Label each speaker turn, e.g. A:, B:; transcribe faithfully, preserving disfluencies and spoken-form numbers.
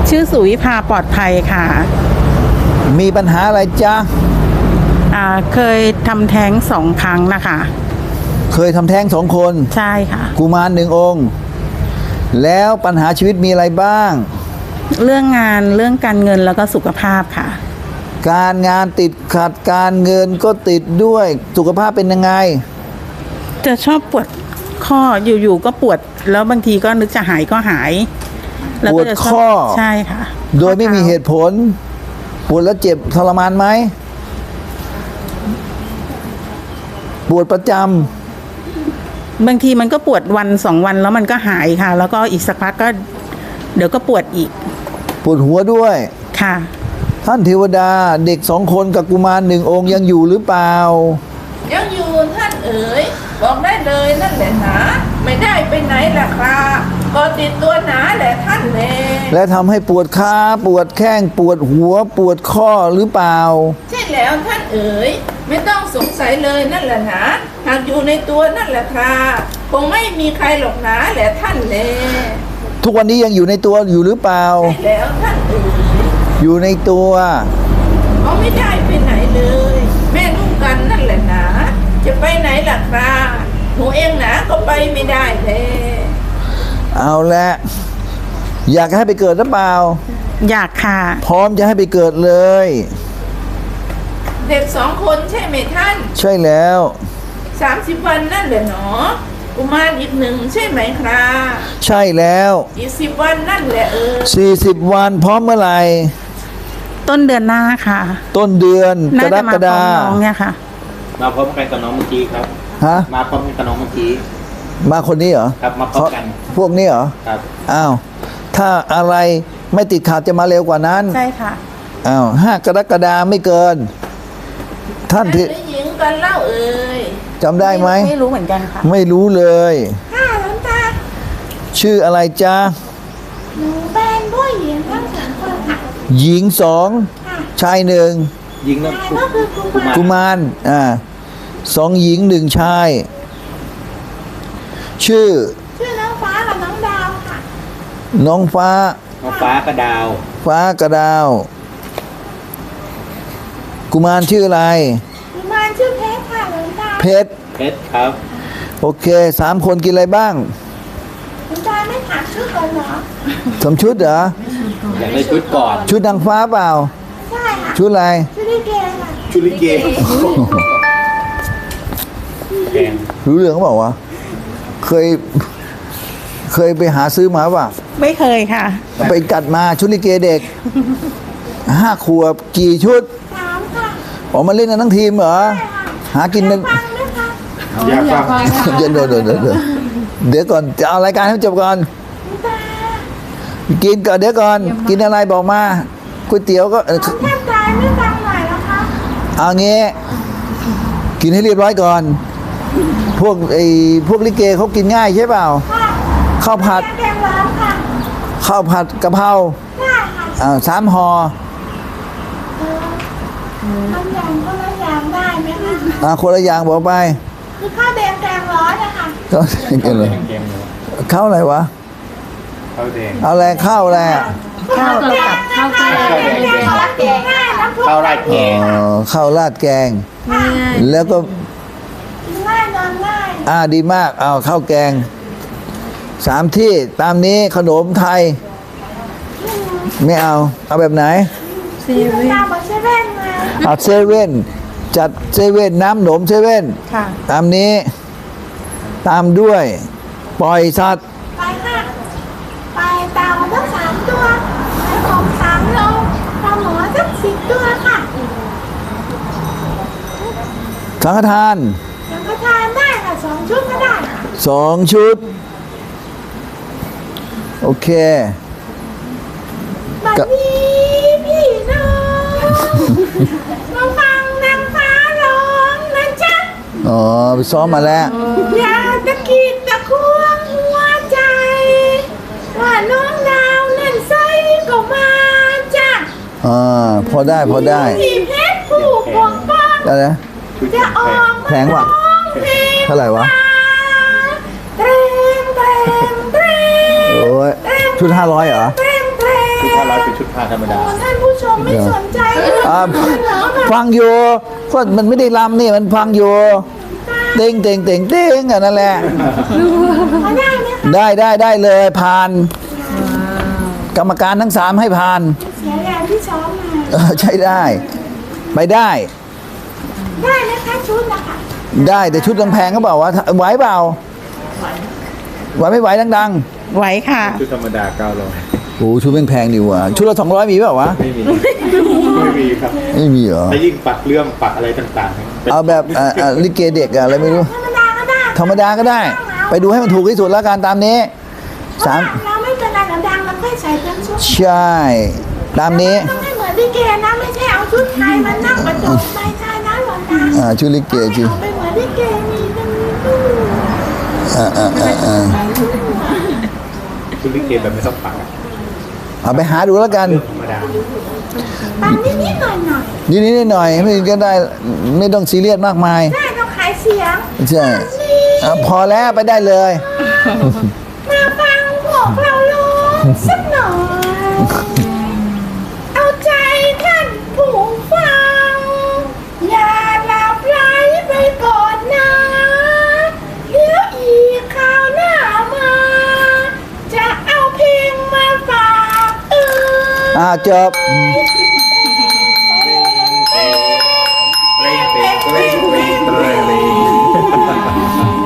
A: ชื่อสุวิภาปลอดภัยค่ะ
B: มีปัญหาอะไรจ๊ะ
A: อ่าเคยทำแท้งสองครั้งนะคะ
B: เคยทำแท้งสองคน
A: ใช่ค่ะ
B: กุมารหนึ่งองค์แล้วปัญหาชีวิตมีอะไรบ้าง
A: เรื่องงานเรื่องการเงินแล้วก็สุขภาพค่ะ
B: การงานติดขัดการเงินก็ติดด้วยสุขภาพเป็นยังไง
A: จะชอบปวดข้ออยู่ๆก็ปวดแล้วบางทีก็นึกจะหายก็หาย
B: ปวดข้อ
A: ใช่ค่ะ
B: โดยไม่มีเหตุผลปวดแล้วเจ็บทรมานไหมปวดประจ
A: ำบางทีมันก็ปวดวันสองวันแล้วมันก็หายค่ะแล้วก็อีกสักพักก็เดี๋ยวก็ปวดอีก
B: ปวดหัวด้วย
A: ค่ะ
B: ท่านเทวดาเด็กสองคนกับกุมารหนึ่งองค์ยังอยู่หรือเปล่า
C: ยังอยู่ท่านเอ๋ยบอกได้เลยนั่นแหละหนาไม่ได้ไปไหนล่ะครับก็ติดตัวหนาแหละท่านแล
B: และทำให้ปวดขาปวดแข้งปวดหัวปวดข้อหรือเปล่า
C: ใช่แล้วท่านเอ๋ยไม่ต้องสงสัยเลยนั่นแหละหนาหากอยู่ในตัวนั่นแหละครับคงไม่มีใครหรอกหนาแหละท่านแล
B: ทุกวันนี้ยังอยู่ในตัวอยู่หรือเปล่า
C: ใช่แล้วท่านเอ๋ย
B: อยู่ในตัว
C: เขาไม่ได้ไปไหนเลยแม่ลูกกันนั่นแหละหนาจะไปไหนล่ะครับหนูเองหนาก็ไปไม่ได้เลย
B: เอาละอยากให้ไปเกิดหรือเปล่า
A: อยากค่ะ
B: พร้อมจะให้ไปเกิดเลย
C: เด็กสองคนใช่ไหมท่าน
B: ใช่แล้ว
C: สามสิบวันนั่นแหละหนอกุมารอีกหนึ่งใช่ไหมครับ
B: ใช่แล้ว
C: อีกสิบวันนั่นแหละเออ
B: สี่สิบวันพร้อมเมื่อไหร่
A: ต้นเดือนหน้าค่ะ
B: ต้นเดือนกรกฎาคม
A: น้องเนี่ยค่ะ
D: มาพร้อมกันกับน้องเมื่อกี้ครับ
B: ฮะ
D: มาพร้อมกันกับน้องเมื่อกี้
B: มาคนนี้เหรอ
D: ครับมาพร้อมกัน
B: พวกนี้เหรอ
D: ครับ
B: อ้าวถ้าอะไรไม่ติดขัดจะมาเร็วกว่านั้น
A: ใช่ค่ะ
B: อ้าวห้ากรกฎาคมไม่เกินท่านที่
C: หญิงกันเล่าเอ่ย
B: จำได้ไหม
A: ไม่รู้เหมือนกันค่ะ
B: ไม่รู้เลย
C: ค่ะหลวงตา
B: ชื่ออะไรจ๊ะ
C: หนูเป็นผู้หญิงทั้งสองคนค่ะ
B: หญิงสองชายหนึ่ง
D: หญิงก็
C: คือ
B: กุมารอ่าสองหญิงหนึ่งชายชื่อ
C: ชื่อน้องฟ้ากับน้องดาวค่ะ
B: น้องฟ้า
D: น้องฟ้ากับดาว
B: ฟ้ากับดาวกุมารชื่ออะไร
C: กุมารชื่อเพชรค่ะหลวงตา
B: เพชร
D: เพชรครับ
B: โอเคสามคนกินอะไรบ้าง
C: หลวงตาไม่ถามชุดก่อนเหรอ
B: สมชุดเหรอ
D: อยากได้ชุดก่อน
B: ชุดนางฟ้าเปล่า
C: ใช่ค่ะ
B: ชุดอะไร
C: ชุดลิเกค่ะ
D: ชุดลิเก
B: รู้เรื่องเขาบอกว่าเคยเคยไปหาซื้อมาป่ะ
A: ไม่เคยค่ะ
B: ไปจัดมาชุดลิเกเด็กห้าขวบกี่ชุด
C: สามค่ะ
B: ออกมาเล่นกันทั้งทีมเหรอหากินกัน
D: อยากฟัง
B: เดี๋ยวเดี๋ยวเดี๋ยวเดี๋ยวเดี๋ยวก่อนจะเอารายการให้จบก่อนกินก่อนเดี๋ยวก่อนกินอะไรบอกมาก๋วยเตี๋ยวก็
C: แค่ใจไม่ฟังหน่อยแล้วคะ
B: เอางี้กินให้เรียบร้อยก่อนพวกไอ้พวกลิเกเขากินง่ายใช่เปล่าข้าวผัดข้าวผัดกะเพราอ่าสามห่อ
C: ทำอย่างคนละอย่างได้ไหมคะ
B: อ่าคนละอย่างบอกไป
C: คือข้าวแดงแกงร้อนนะคะ
B: ก็กินเลยข้าวอะไรวะ
D: ข้าวแดง
B: เอาแรงข้าวแรง
A: ข้าวกับข้าวแกง
D: ข้าวราดแกง
B: ข้าวราดแกงแล้วก็
C: ง่ายนอนง่าย
B: อ่าดีมากเอาข้าวแกงสามที่ตามนี้ขนมไทยไม่เอาเอาแบบไหน
C: เซเว่นเซเว่นไง
B: เอาเซเว่นจัดเซเว่นน้ำหนมเซเว่นตามนี้ตามด้วยปล่อยสัตว์
C: ไปค่ะไปเต่าทั้งสามตัวไปของสามโลปลาหมอทั้งสิบตัวค่ะ
B: สังฆทาน
C: สังฆทานได้ค่ะสองชุดก็ได้
B: สองชุดโอเค
C: บัดนี้พี่น้องมาฟังนางฟ้าร้องนะจ๊ะ
B: อ๋อไปซ้อมมาแล้ว
C: อยากตะกิดตะควงหัวใจว่าน้องดาวนั่นใส่ก็มาจ้ะ
B: อ่าพอได้พอได้
C: พี่เพชรผู้ปกป้อง
B: ได้นะ
C: จะออก
B: แพงว่ะเท่าไหร่วะ
C: เตรงเตรงเตรง
B: โอ้ยชุดห้าร้อยเหรอ
C: เตรงเตรง
D: ชุดผ้าร้อยเป็นชุดผ้าธรรมดา
C: ท่านผู้ชมไม่สนใจเลย
B: อ่าฟังอยู่ก็มันไม่ได้ลำนี่มันฟังอยู่เต้งเต้งเต้งเต้งอ่ะนั่นแหละ
C: เขาได้ไหมคะ
B: ได้ได้ได้เลยผ่าน กรรมการทั้งสามให้ผ่าน
C: เสียแรงที่ซ้อมมา
B: เออใช่ได้ ไปได้
C: ได้ไหมคะชุดนะคะ
B: ได้แต่ชุดแพงๆก็บอกว่าไหวเปล่าไหวไม่ไหวดัง
A: ไหวค่ะ
D: ชุดธรรมดาเก้าร้อย
B: ๆโอ้ชุดแพงๆดีว่ะชุดละสองร้อยมีเปล่าวะ
D: ไม่มี ไม่มีครับ
B: ไม่มีเหรอ
D: แล้วยิ่งปักเรื่องปักอะไรต่างๆป็น
B: เอาแบบอ่าอ่าลิเกเด็กอะอะไรไม่รู้
C: ธรรมดาก็ได้
B: ธรรมดาก็ได้ ไปดูให้มันถูกที่สุดแล้วกันตามนี้สาม
C: เราไม่เป็นไรเราดังเราค่อยใส่เป็นชุด
B: ใช่ ตามนี้
C: ต้องให้เหมือนลิเกนะไม่ใช่เอาชุดไทยมานั่งประจบไม่ใช่นะหลวงตา
B: อ่าชุดลิเกจริง
C: เอาไปเหมือนลิเกมีตรงนี้ด้วย
B: อ่าอ่าอ่าอ่า
D: ชุดลิเกแบบไม่ต้องปักอะ
B: เอาไปหาดูแล้วกัน
D: ธรรมดา
C: ปังนิดๆหน่อยหน่อย
B: นิดนิดหน่อยๆไม่ก็ได้ไม่ต้องซีเรียสมากมาย
C: ๆได้ต้องขายเสียง
B: ใช่อ่ะพอแล้วไปได้เลย
C: มาฟังพวกเราร้องสักหน่อย เอาใจท่านผู้ฟัง อย่าหลับไหลไปก่อนนะเดี๋ยวอีกคราวหน้ามา จะเอาเพลงมาฝากเออ
B: อ่าจบ
C: ย